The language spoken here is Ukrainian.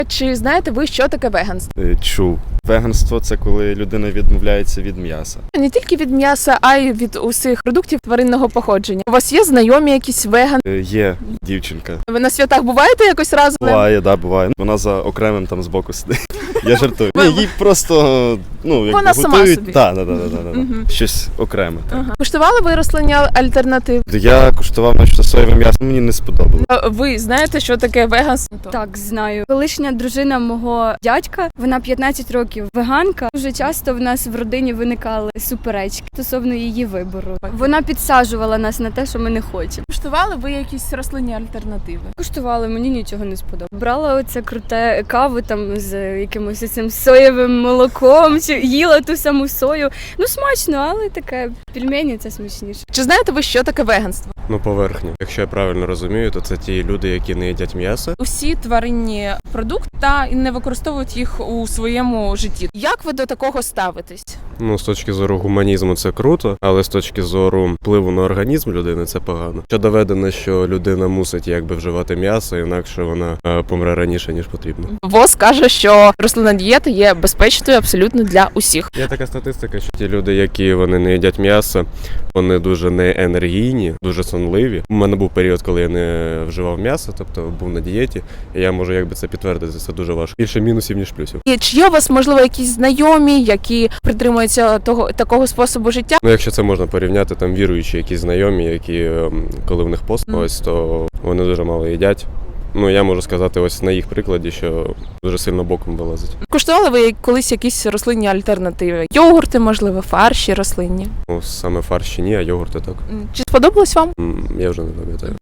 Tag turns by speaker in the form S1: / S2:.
S1: Чи знаєте ви, що таке веганство?
S2: Чув. Веганство – це коли людина відмовляється від м'яса.
S1: Не тільки від м'яса, а й від усіх продуктів тваринного походження. У вас є знайомі якісь веган?
S2: Є дівчинка.
S1: Ви на святах буваєте якось разом?
S2: Буває, да, буває. Вона за окремим там збоку сидить. Я жартую. Ні, їй просто, якби
S1: Вона сама
S2: готують.
S1: собі.
S2: Так. Щось окреме. Так.
S1: Куштували ви рослинні альтернативи?
S2: Я куштував наче соєве м'ясо, мені не сподобалось.
S1: Ви знаєте, що таке веганство?
S3: Так, знаю. Колишня дружина мого дядька, вона 15 років веганка. Дуже часто в нас в родині виникали суперечки стосовно її вибору. Вона підсаджувала нас на те, що ми не хочемо.
S1: Куштували ви якісь рослинні альтернативи?
S3: Куштували, мені нічого не сподобалося. Брала оце круте каву там з якимось цим соєвим молоком, чи їла ту саму сою. Ну смачно, але таке пельмені це смачніше.
S1: Чи знаєте ви, що таке веганство?
S4: Поверхню. Якщо я правильно розумію, то це ті люди, які не їдять м'ясо.
S1: Усі тваринні продукти та не використовують їх у своєму житті. Як ви до такого ставитесь?
S4: З точки зору гуманізму це круто, але з точки зору впливу на організм людини це погано. Що доведено, що людина мусить вживати м'ясо, інакше вона помре раніше, ніж потрібно.
S1: ВОЗ каже, що рослинна дієта є безпечною абсолютно для усіх.
S4: Є така статистика, що ті люди, які вони не їдять м'ясо, вони дуже неенергійні, дуже сонливі. У мене був період, коли я не вживав м'ясо, тобто був на дієті, і я можу це підтвердити, це дуже важко. Більше мінусів, ніж плюсів.
S1: І чи є у вас, можливо, якісь знайомі, які притримуються такого способу життя?
S4: Якщо це можна порівняти, там віруючі якісь знайомі, які коли в них пост, то вони дуже мало їдять. Я можу сказати ось на їх прикладі, що дуже сильно боком вилазить.
S1: Куштували ви колись якісь рослинні альтернативи? Йогурти, можливо, фарші рослинні?
S4: Саме фарші ні, а йогурти так.
S1: Чи сподобалось вам?
S4: Я вже не пам'ятаю.